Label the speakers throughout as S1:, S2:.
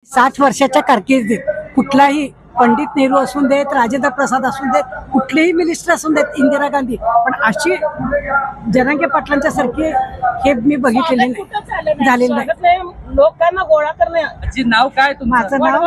S1: 60 वर्षाच्या कारकिर्दीत कुठलाही पंडित नेहरू असून देत, राजेंद्र प्रसाद असून देत, कुठलेही मिनिस्टर असून देत, इंदिरा गांधी, पण अशी जरांगे पाटलांच्या सारखी हे मी बघितलेले नाही, झालेलं नाही.
S2: लोकांना गोळा करणे.
S3: नाव काय तुमचं?
S1: माझं नाव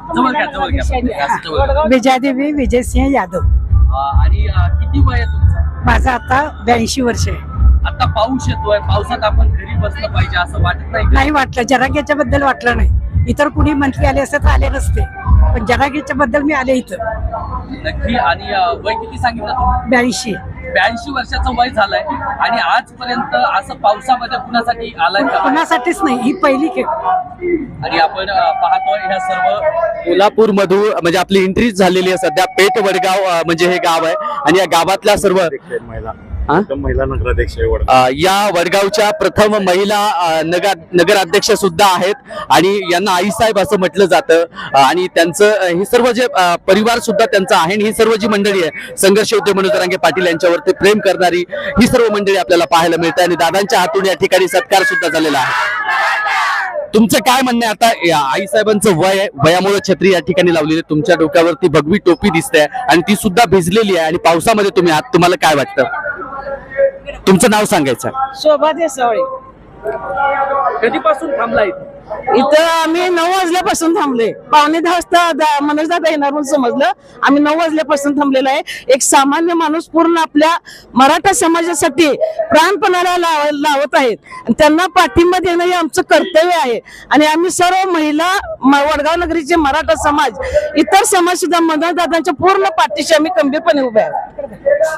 S3: जवळ
S1: विजयादेवी विजयसिंह यादव.
S3: आणि किती वय आहे तुमचं?
S1: माझं आता 82 वर्ष आहे.
S3: आता पाऊस येतोय, पावसात आपण घरी बसलं पाहिजे असं वाटत नाही का?
S1: नाही वाटलं, जरांगेच्या बद्दल वाटलं नाही. इतर कुणी मंत्री आले असते तर आले नसते, पण जरांगेच्या बद्दल मी आले इथं.
S3: नक्की. आणि वय किती सांगितलं तुम्ही?
S1: 82.
S3: 82 वर्षाचं वय झालंय आणि आजपर्यंत असं पावसामध्ये कुणासाठी आलाय का?
S1: कुणासाठीच नाही, ही पहिली खेळ.
S3: आणि आपण पाहतोय ह्या सर्व
S4: कोल्हापूर मधून म्हणजे आपली एंट्री झालेली आहे सध्या. पेठ वडगाव म्हणजे हे गाव आहे आणि या गावातल्या सर्व
S5: महिला नगराध्यक्ष
S4: या वडगावच्या प्रथम महिला नगराध्यक्ष सुद्धा आहेत आणि यांना आईसाहेब असं म्हटलं जातं. आणि त्यांचं हे सर्व जे परिवार सुद्धा त्यांचा आहे आणि ही सर्व जी मंडळी आहे, संघर्ष योद्धे मनोज जरांगे पाटील यांच्यावरती प्रेम करणारी ही सर्व मंडळी आपल्याला पाहायला मिळते आणि दादांच्या हातून या ठिकाणी सत्कार सुद्धा झालेला आहे. तुमचं काय म्हणणं आहे? आता आईसाहेबांचं वय आहे, वयामुळे छत्री या ठिकाणी लावलेली आहे, तुमच्या डोक्यावरती भगवी टोपी दिसते आणि ती सुद्धा भिजलेली आहे आणि पावसामध्ये तुम्ही आहात, तुम्हाला काय वाटतं? तुमचं नाव सांगायचं.
S2: शोभा देसावळे.
S3: कधीपासून थांबलाय
S2: इथं आम्ही 9 वाजल्यापासून थांबले. 9:45 वाजता मनोज दादा येणार म्हणून समजलं. आम्ही 9 वाजल्यापासून थांबलेलो आहे. एक सामान्य माणूस पूर्ण आपल्या मराठा समाजासाठी प्राणपणाला लावत आहेत आणि त्यांना पाठिंबा देणं हे आमचं कर्तव्य आहे. आणि आम्ही सर्व महिला वडगाव नगरीचे मराठा समाज, इतर समाज सुद्धा मनोज दादांच्या पूर्ण पाठीशी आम्ही खंबीरपणे उभे आहोत.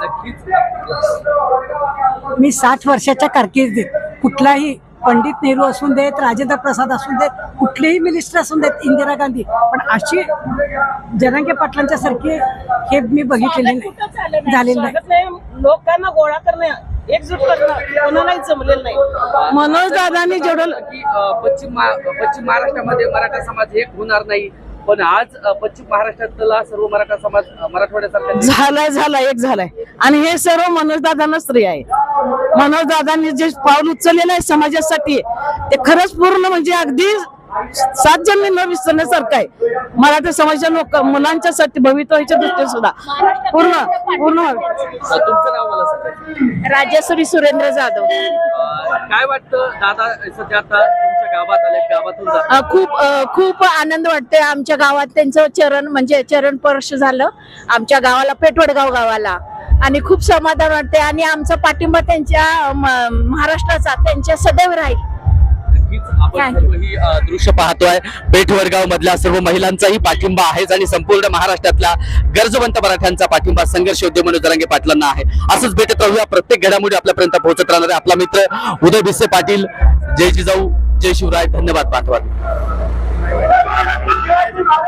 S1: मी 60 वर्षाच्या कारकिर्दीत कुठलाही पंडित नेहरू असून देत, राजेंद्र प्रसाद असून देत, कुठलेही मिनिस्टर असून देत, इंदिरा गांधी, पण अशी जरांगे पाटलांच्या सारखी हे मी बघितलेले नाही, झालेलं नाही.
S2: लोकांना गोळा करणे, एकजूट करणं कोणालाही जमलेलं नाही. मनोज दादांनी जेवढं
S3: की पश्चिम महाराष्ट्रामध्ये मराठा समाज एक होणार नाही, पण आज पश्चिम महाराष्ट्रातला सर्व मराठा समाज मराठवाड्यासारखा
S2: झालाय एक झालाय आणि हे सर्व मनोज दादांना स्त्री आहे. मनोज दादांनी जे पाऊल उचललेलं आहे समाजासाठी ते खरंच पूर्ण म्हणजे अगदी 7 जन्मी न विसरण्यासारखं आहे. मराठा समाजाच्या लोक मुलांच्यासाठी भवितव्याच्या दृष्टीने सुद्धा पूर्ण
S3: तुमचं नाव मला सांगा.
S6: राजेश्वरी सुरेंद्र जाधव.
S3: काय वाटतं दादा सध्या आता तुमच्या गावात आले, गावातून जातात?
S6: खूप आनंद वाटतोय. आमच्या गावात त्यांचं चरण स्पर्श झालं आमच्या गावाला, पेठवडगाव गावाला, आणि खूप समाधान वाटते. आणि आमचा पाठिंबा त्यांच्या महाराष्ट्राचा त्यांच्या सदैव राहील.
S4: आपण सर्व ही दृश्य पाहतोय. पेठ वडगाव मधल्या सर्व महिलांचाही पाठिंबा आहे आणि संपूर्ण महाराष्ट्रातल्या गरजवंत मराठ्यांचा पाठिंबा संघर्ष योद्धे मनोज जरांगे पाटलांना आहे. असंच भेटत राहूया, प्रत्येक घडामोडी आपल्यापर्यंत पोहोचत राहणार आहे. आपला मित्र उदय भिसे पाटील. जय जिजाऊ, जय शिवराय. धन्यवाद. पाठवा.